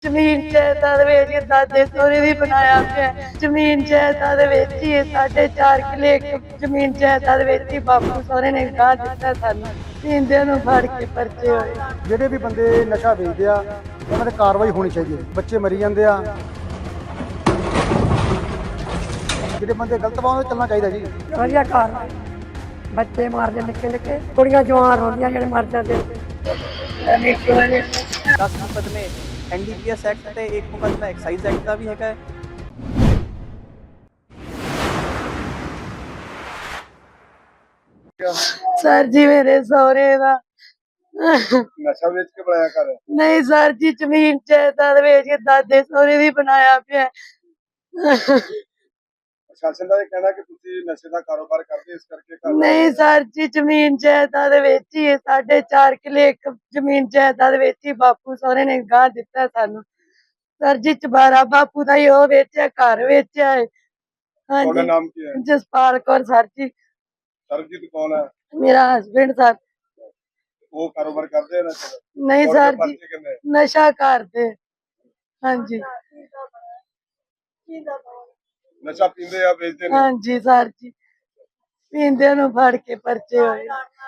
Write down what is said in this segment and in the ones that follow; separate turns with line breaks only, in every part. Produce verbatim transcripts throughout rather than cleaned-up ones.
ਜ਼ਮੀਨ ਜਾਇਦਾਦ ਵੇਚ ਕੇ ਦਾਦੇ ਸਹੁਰੇ ਵੀ ਬਣਾਇਆ ਪਿਆ। ਜ਼ਮੀਨ ਜਾਇਦਾਦ ਵੇਚੀ ਹੈ, ਸਾਡੇ ਚਾਰ ਕਿੱਲੇ ਇੱਕ ਜ਼ਮੀਨ ਜਾਇਦਾਦ ਵੇਚੀ, ਬਾਪੂ ਸਹੁਰੇ ਨੇ ਗਾਹ ਦਿੱਤਾ ਸਾਨੂੰ। ਪੀਂਦਿਆਂ ਨੂੰ ਫੜ ਕੇ ਪਰਚੇ ਹੋਏ।
ਜਿਹੜੇ ਵੀ ਬੰਦੇ ਨਸ਼ਾ ਵੇਚਦੇ ਆ ਉਹਨਾਂ ਤੇ ਕਾਰਵਾਈ ਹੋਣੀ ਚਾਹੀਦੀ ਹੈ। ਬੱਚੇ ਮਰੀ ਜਾਂਦੇ ਆ, ਜਿਹੜੇ ਬੰਦੇ ਗਲਤ ਵਾ ਉਹਨਾਂ ਚੱਲਣਾ ਚਾਹੀਦਾ ਜੀ।
ਵਧੀਆ ਕਾਰਵਾਈ। ਬੱਚੇ ਮਾਰਦੇ ਨਿੱਕੇ ਨਿੱਕੇ, ਕੁੜੀਆਂ ਜਵਾਨ ਹੁੰਦੀਆਂ ਜਿਹੜੇ ਮਰ ਜਾਂਦੇ।
दस मुकदमे N D P S act ਤੇ ਇੱਕ ਮੁਕਦਮਾ ਐਕਸਾਈਜ਼ ਐਕਟ ਦਾ ਵੀ ਹੈਗਾ ਹੈ।
ਸਰ ਜੀ ਮੇਰੇ ਸਹੁਰੇ ਦਾ
ਨਸ਼ਾ ਵੇਚ ਕੇ ਬਣਾਇਆ ਘਰ?
ਨਹੀਂ ਸਰ ਜੀ, ਜ਼ਮੀਨ ਜਾਇਦਾਦ ਵੇਚ ਕੇ ਦਾਦੇ ਸਹੁਰੇ ਵੀ ਬਣਾਇਆ ਪਿਆ।
ਪ੍ਰਸ਼ਾਸਨ ਦਾ ਇਹ ਕਹਿਣਾ ਕਿ ਤੁਸੀਂ ਨਸ਼ੇ ਦਾ ਕਾਰੋਬਾਰ ਕਰਦੇ ਇਸ ਕਰਕੇ ਘਰ
ਨਹੀਂ ਸਰ ਜੀ, ਜ਼ਮੀਨ ਜਾਇਦਾਦ ਵੇਚੀ ਹੈ, ਸਾਡੇ ਚਾਰ ਕਿੱਲੇ ਇੱਕ ਜ਼ਮੀਨ ਜਾਇਦਾਦ ਵੇਚੀ, ਬਾਪੂ ਸਹੁਰੇ ਨੇ ਗਾਹ ਦਿੱਤਾ ਸਾਨੂੰ। ਸਰ ਜੀ ਚਬਾਰਾ ਬਾਪੂ ਦਾ ਹੀ ਉਹ ਵੇਚਿਆ, ਘਰ ਵੇਚਿਆ ਹੈ।
ਤੁਹਾਡਾ
ਹਾਂਜੀ,
ਨਾਮ ਕੀ ਹੈ?
ਜਸਪਾਲ ਕੌਰ ਸਰ ਜੀ,
ਸਰਬਜੀਤ ਕੌਣ ਹੈ?
ਮੇਰਾ ਹਸਬੈਂਡ ਸਰ।
ਉਹ ਕਾਰੋਬਾਰ ਕਰਦੇ ਆ ਨਸ਼ੇ ਦਾ?
ਨਹੀਂ
ਔਰ
ਸਰ
ਪਰਚੇ
ਜੀ,
ਕਿੰਨੇ?
ਨਸ਼ਾ ਕਰਦੇ। ਹਾਂਜੀ
ਨਸ਼ਾ ਪੀਂਦੇ ਆ, ਵੇਚਦੇ ਨੇ?
ਹਾਂਜੀ ਸਰ ਜੀ, ਪੀਂਦਿਆਂ ਨੂੰ ਫੜ ਕੇ ਪਰਚੇ ਹੋਏ।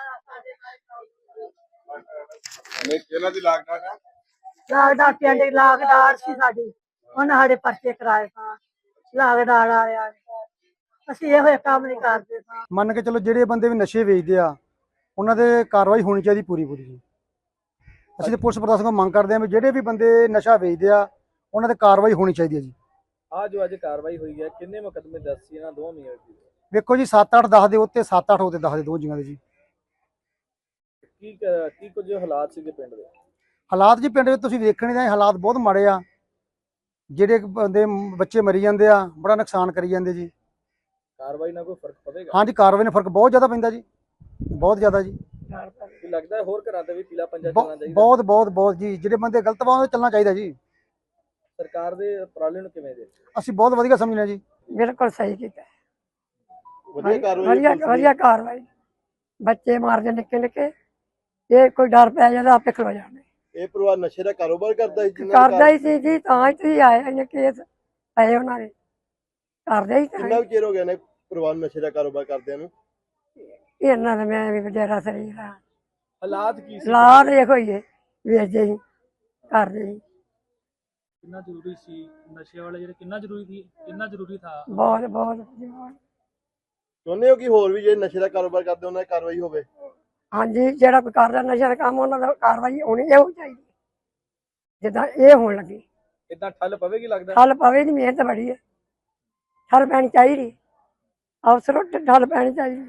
ਨਹੀਂ ਇਹਨਾਂ ਦੀ ਲਾਗਡਾਟ ਹੈ?
ਲਾਗਡਾ ਪਿੰਡ ਲਾਗਦਾਰ ਸੀ ਸਾਡੀ, ਉਹਨਾਂ ਸਾਡੇ ਪਰਚੇ ਕਰਾਏ ਸਾਂ। ਲਾਗਦਾਰ ਆਇਆ, ਅਸੀਂ ਇਹੋ ਕੰਮ ਨਹੀਂ ਕਰਦੇ ਸਾਂ।
ਮੰਨ ਕੇ ਚਲੋ ਜਿਹੜੇ ਬੰਦੇ ਵੀ ਨਸ਼ੇ ਵੇਚਦੇ ਆ ਉਹਨਾਂ ਤੇ ਕਾਰਵਾਈ ਹੋਣੀ ਚਾਹੀਦੀ ਪੂਰੀ ਪੂਰੀ ਜੀ। ਅਸੀਂ ਤੇ ਪੁਲਿਸ ਪ੍ਰਸ਼ਾਸਨ ਕੋਲ ਮੰਗ ਕਰਦੇ ਆ ਵੀ ਜਿਹੜੇ ਵੀ ਬੰਦੇ ਨਸ਼ਾ ਵੇਚਦੇ ਆ ਉਹਨਾਂ ਤੇ ਕਾਰਵਾਈ ਹੋਣੀ ਚਾਹੀਦੀ ਹੈ ਜੀ।
ਆ ਜੋ ਅੱਜ ਕਾਰਵਾਈ ਹੋਈ ਹੈ, ਕਿੰਨੇ ਮੁਕੱਦਮੇ ਦਰਜ ਸੀ ਇਹਨਾਂ ਦੋਵਾਂ ਮੀਆਂ ਦੀ?
ਵੇਖੋ ਜੀ, ਸੱਤ ਅੱਠ ਦਸ ਦੇ ਉੱਤੇ, ਸੱਤ ਅੱਠ ਉਹਦੇ ਦਸ ਦੇ ਦੋ ਜੀਆਂ ਦੇ ਜੀ।
ਕੀ ਕ- ਕੀ ਕੁਝ ਹਾਲਾਤ ਸੀਗੇ ਪਿੰਡ ਦੇ?
ਹਾਲਾਤ ਜੀ ਪਿੰਡ ਵਿੱਚ ਤੁਸੀਂ ਵੇਖਣੇ ਦਾ ਹਾਲਾਤ ਬਹੁਤ ਮਾੜੇ ਆ। ਜਿਹੜੇ ਬੰਦੇ ਬੱਚੇ ਮਰੀ ਜਾਂਦੇ ਆ, ਬੜਾ ਨੁਕਸਾਨ ਕਰੀ ਜਾਂਦੇ ਜੀ।
ਕਾਰਵਾਈ ਨਾਲ ਕੋਈ ਫਰਕ ਪਵੇਗਾ?
ਹਾਂਜੀ, ਕਾਰਵਾਈ ਨਾਲ ਫਰਕ ਬਹੁਤ ਜ਼ਿਆਦਾ ਪੈਂਦਾ ਜੀ, ਬਹੁਤ ਜ਼ਿਆਦਾ ਜੀ।
ਕੀ ਲੱਗਦਾ ਹੈ ਹੋਰ ਘਰਾਂ ਤੇ ਵੀ ਪੀਲਾ ਪੰਜਾ
ਬਹੁ-
ਚੱਲਣਾ ਚਾਹੀਦਾ?
ਬਹੁਤ ਬਹੁਤ ਬਹੁਤ ਜੀ, ਜਿਹੜੇ ਬੰਦੇ ਗਲਤ ਵਾ ਉਹਨਾਂ ਚੱਲਣਾ ਚਾਹੀਦਾ ਜੀ।
ਸਰਕਾਰ ਦੇ ਉਪਰਾਲੇ ਨੂੰ ਕਿਵੇਂ ਦੇ?
ਅਸੀਂ ਬਹੁਤ ਵਧੀਆ ਸਮਝਦੇ ਹਾਂ ਜੀ।
ਬਿਲਕੁਲ ਸਹੀ ਕੀਤਾ।
ਵਧੀਆ ਕਾਰਵਾਈ
ਵਧੀਆ ਵਧੀਆ ਕਾਰਵਾਈ। ਬੱਚੇ ਮਾਰਦੇ ਨਿੱਕੇ ਨਿੱਕੇ, ਇਹ ਕੋਈ ਡਰ ਪੈ ਜਾਂਦਾ ਆਪੇ ਖਲੋ ਜਾਂਦੇ।
ਇਹ ਪਰਿਵਾਰ ਨਸ਼ੇ ਦਾ ਕਾਰੋਬਾਰ ਕਰਦਾ ਸੀ?
ਕਰਦਾ ਹੀ ਸੀ ਜੀ, ਤਾਂ ਹੀ ਤੁਸੀਂ ਆਏ ਇਹਨੇ ਕੇਸ ਪਏ ਉਹਨਾਂ ਦੇ, ਕਰਦੇ ਹੀ ਤਾਂ ਹੀ।
ਚਿਰ ਹੋ ਗਿਆ ਨੇ ਪਰਿਵਾਰ ਨਸ਼ੇ ਦਾ ਕਾਰੋਬਾਰ ਕਰਦਿਆਂ ਨੂੰ?
ਇਹਨਾਂ ਦਾ ਮੈਂ ਵੀ ਬਥੇਰਾ ਸਰੀਰ ਆ।
ਹਾਲਾਤ ਕੀ ਸੀ?
ਲਾਦ ਇਹੋ ਹੀ ਹੈ, ਵੇਚਦੇ ਹੀ ਕਰਦੇ ਹੀ।
कितना जरूरी सी नशे वाले ਜਿਹੜੇ ਕਿੰਨਾ ਜ਼ਰੂਰੀ ਸੀ, ਕਿੰਨਾ ਜ਼ਰੂਰੀ ਥਾ?
ਬਹੁਤ ਬਹੁਤ ਬਹੁਤ।
ਚਾਹੁੰਦੇ ਹੋ ਕਿ ਹੋਰ ਵੀ ਜਿਹੜੇ ਨਸ਼ੇ ਦਾ ਕਾਰੋਬਾਰ ਕਰਦੇ ਉਹਨਾਂ ਦੀ ਕਾਰਵਾਈ ਹੋਵੇ?
ਹਾਂਜੀ, ਜਿਹੜਾ ਕੋਈ ਕਰਦਾ ਨਸ਼ਾ ਦਾ ਕੰਮ ਉਹਨਾਂ ਦਾ ਕਾਰਵਾਈ ਹੋਣੀ ਇਹੋ ਚਾਹੀਦੀ, ਜਿੱਦਾਂ ਇਹ ਹੋਣ ਲੱਗੀ।
ਇਦਾਂ ਠੱਲ ਪਵੇਗੀ ਲੱਗਦਾ?
ਠੱਲ ਪਵੇ ਦੀ ਮਿਹਨਤ ਬੜੀ ਹੈ, ਠੱਲ ਪੈਣੀ ਚਾਹੀਦੀ, ਅਫਸਰੋਂ ਠੱਲ ਪੈਣੀ ਚਾਹੀਦੀ।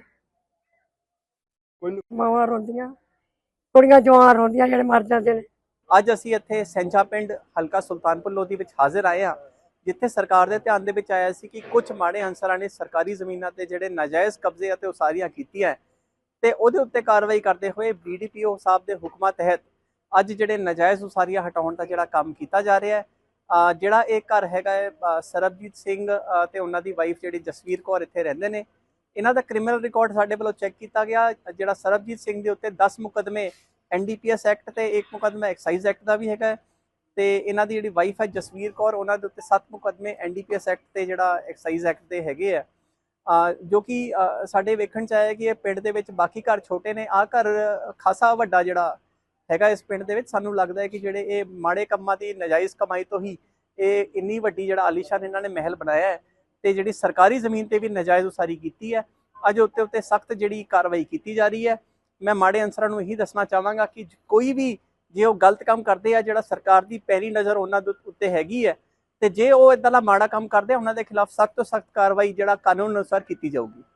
ਮਾਵਾਂ ਰੋਂਦੀਆਂ, ਕੁੜੀਆਂ ਜਵਾਨ ਰੋਂਦੀਆਂ ਜਿਹੜੇ ਮਰ ਜਾਂਦੇ ਨੇ।
ਅੱਜ ਅਸੀਂ ਇੱਥੇ ਸੈਂਚਾ ਪਿੰਡ ਹਲਕਾ ਸੁਲਤਾਨਪੁਰ ਲੋਧੀ ਵਿੱਚ ਹਾਜ਼ਰ ਆਏ ਹਾਂ, ਜਿੱਥੇ ਸਰਕਾਰ ਦੇ ਧਿਆਨ ਦੇ ਵਿੱਚ ਆਇਆ ਸੀ ਕਿ ਕੁਝ ਮਾੜੇ ਅਨਸਰਾਂ ਨੇ ਸਰਕਾਰੀ ਜ਼ਮੀਨਾਂ ਤੇ ਜਿਹੜੇ ਨਾਜਾਇਜ਼ ਕਬਜ਼ੇ ਅਤੇ ਉਸਾਰੀਆਂ ਕੀਤੀਆਂ ਤੇ ਉਹਦੇ ਉੱਤੇ ਕਾਰਵਾਈ ਕਰਦੇ ਹੋਏ ਬੀ ਡੀ ਪੀ ਓ ਸਾਹਿਬ ਦੇ ਹੁਕਮਾਂ ਤਹਿਤ ਅੱਜ ਜਿਹੜੇ ਨਾਜਾਇਜ਼ ਉਸਾਰੀਆਂ ਹਟਾਉਣ ਦਾ ਜਿਹੜਾ ਕੰਮ ਕੀਤਾ ਜਾ ਰਿਹਾ ਹੈ। ਜਿਹੜਾ ਇਹ ਘਰ ਹੈਗਾ ਹੈ ਸਰਬਜੀਤ ਸਿੰਘ ਤੇ ਉਹਨਾਂ ਦੀ ਵਾਈਫ ਜਿਹੜੀ ਜਸਵੀਰ ਕੌਰ ਇੱਥੇ ਰਹਿੰਦੇ ਨੇ, ਇਹਨਾਂ ਦਾ ਕ੍ਰਿਮੀਨਲ ਰਿਕਾਰਡ ਸਾਡੇ ਵੱਲੋਂ ਚੈੱਕ ਕੀਤਾ ਗਿਆ। ਜਿਹੜਾ ਸਰਬਜੀਤ ਸਿੰਘ ਦੇ ਉੱਤੇ ਦਸ ਮੁਕੱਦਮੇ N D P S act ਤੇ ਇੱਕ ਮੁਕੱਦਮਾ ਐਕਸਾਈਜ਼ ਐਕਟ ਦਾ ਵੀ ਹੈਗਾ ਹੈ, ਤੇ ਇਹਨਾਂ ਦੀ ਜਿਹੜੀ ਵਾਈਫ ਹੈ ਜਸਵੀਰ ਕੌਰ, ਉਹਨਾਂ ਦੇ ਉੱਤੇ ਸੱਤ ਮੁਕੱਦਮੇ N D P S act ਤੇ ਜਿਹੜਾ ਐਕਸਾਈਜ਼ ਐਕਟ ਦੇ ਹੈਗੇ ਆ। ਜੋ ਕਿ ਸਾਡੇ ਵੇਖਣ ਚ ਆਇਆ ਕਿ ਇਹ ਪਿੰਡ ਦੇ ਵਿੱਚ ਬਾਕੀ ਘਰ ਛੋਟੇ ਨੇ, ਆਹ ਘਰ ਖਾਸਾ ਵੱਡਾ ਜਿਹੜਾ ਹੈਗਾ ਇਸ ਪਿੰਡ ਦੇ ਵਿੱਚ। ਸਾਨੂੰ ਲੱਗਦਾ ਹੈ ਕਿ ਜਿਹੜੇ ਇਹ ਮਾੜੇ ਕੰਮਾਂ ਦੀ ਨਜਾਇਜ਼ ਕਮਾਈ ਤੋਂ ਹੀ ਇਹ ਇੰਨੀ ਵੱਡੀ ਜਿਹੜਾ ਆਲੀਸ਼ਾਨ ਇਹਨਾਂ ਨੇ ਮਹਿਲ ਬਣਾਇਆ ਹੈ, ਤੇ ਜਿਹੜੀ ਸਰਕਾਰੀ ਜ਼ਮੀਨ ਤੇ ਵੀ ਨਜਾਇਜ਼ ਉਸਾਰੀ ਕੀਤੀ ਹੈ। ਅੱਜ ਉੱਤੇ ਉੱਤੇ ਸਖਤ ਜਿਹੜੀ ਕਾਰਵਾਈ ਕੀਤੀ ਜਾ ਰਹੀ ਹੈ। ਮੈਂ ਮਾੜੇ ਅਨਸਰਾਂ ਨੂੰ ਇਹੀ ਦੱਸਣਾ ਚਾਹਾਂਗਾ ਕਿ ਕੋਈ ਵੀ ਜੇ ਉਹ ਗਲਤ ਕੰਮ ਕਰਦੇ ਆ, ਜਿਹੜਾ ਸਰਕਾਰ ਦੀ ਪੈਰੀ ਨਜ਼ਰ ਉਹਨਾਂ ਦੇ ਉੱਤੇ ਹੈਗੀ ਹੈ, ਤੇ ਜੇ ਉਹ ਇਦਾਂ ਦਾ ਮਾੜਾ ਕੰਮ ਕਰਦੇ ਆ ਉਹਨਾਂ ਦੇ ਖਿਲਾਫ ਸਖਤ ਤੋਂ ਸਖਤ ਕਾਰਵਾਈ ਜਿਹੜਾ ਕਾਨੂੰਨ ਅਨੁਸਾਰ ਕੀਤੀ ਜਾਊਗੀ।